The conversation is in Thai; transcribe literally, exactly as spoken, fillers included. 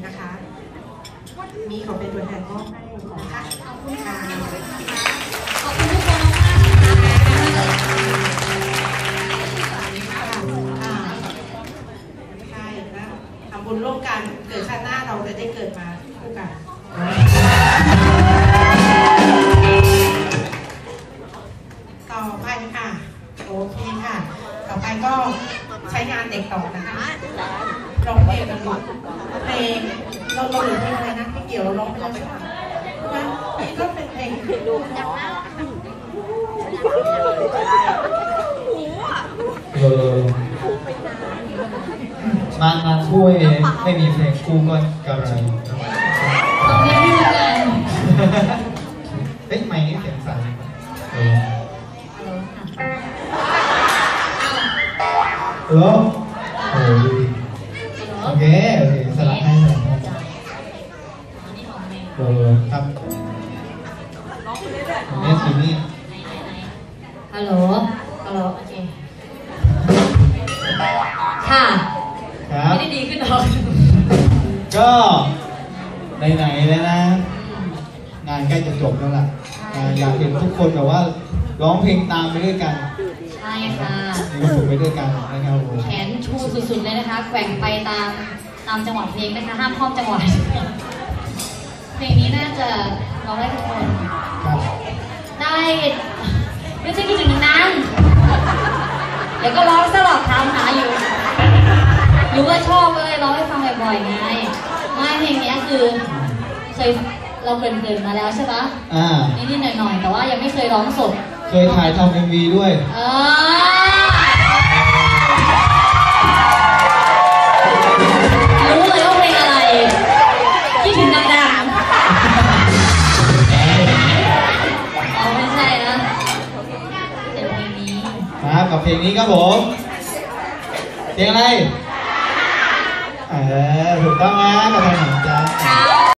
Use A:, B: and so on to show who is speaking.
A: นะคะมีขอเป็นตัวแทนมอบให้ของค่ะขอบคุณค่ะ
B: ขอบคุณทุกคนมาก
A: นะคะใช่นะทำบุญร่วมกันเกิดชาติหน้าเราจะได้เกิดมาคู่กันต่อไปค่ะโอเคค่ะต่อไปก็ใช้งานเด็กต่อนะคะร้องเพลงกันหมดเพลงเราเราหรือเพลงอะไรนะพี่เกี่ยวเราร้องไปแล้วใช่ไหมงั้นนี่ก็เป็นเพลงดูจังนะ
C: เออมางานคู่ไม่มีไม่มีเพลงคู่ก็กระไร
B: ตรงนี้ไม่เหมือนกัน
C: เฮ้ยไม่นี่เสียงสั่นเออเออโอ้ดูดิโอเคโอเคสลับให้สลับให้เออครับแม่ทีนี่
B: ฮัลโหลฮัลโหลโอเคค่ะ
C: ครับ
B: ไม่ได้ดีขึ้นหรอก
C: ก็ไหนๆแล้วนะงานใกล้จะจบแล้วล่ะอยากเห็นทุกคนแบบว่าร้องเพลงตามไปด้วยกัน
B: ใช่ค่ะ
C: มีความสุขไปด้วยกันนะครับ
B: แขนชูสุดๆเลยนะคะแกว่งไปตามตามจังหวะเพลงนะคะห้ามข้อมจังหวะเพลงนี้น่าจะร้องได้ทุกคนได้ไม่ใช่คิดถึงนานเดี๋ยวก็ร้องสลับถามหาอยู่รู้ว่าชอบเลยร้องให้ฟังบ่อยๆไงไม่เพลงนี้คือเคยเราเกินๆมาแล้วใช่ปะ
C: อ่า
B: นิดๆหน่อยๆแต่ว่ายังไม่เคยร้องสด
C: เคยถ่ายทำเอ็มวีด้วย
B: เออรู้เลยว่าเพลงอะไรคิดถึงดังๆอ๋อไม่ใช่นะเป็นเพลงนี้
C: ครับกับเพลงนี้ครับผมเพลงอะไรเออถูกต้องนะกับเพลงของจ๊ะ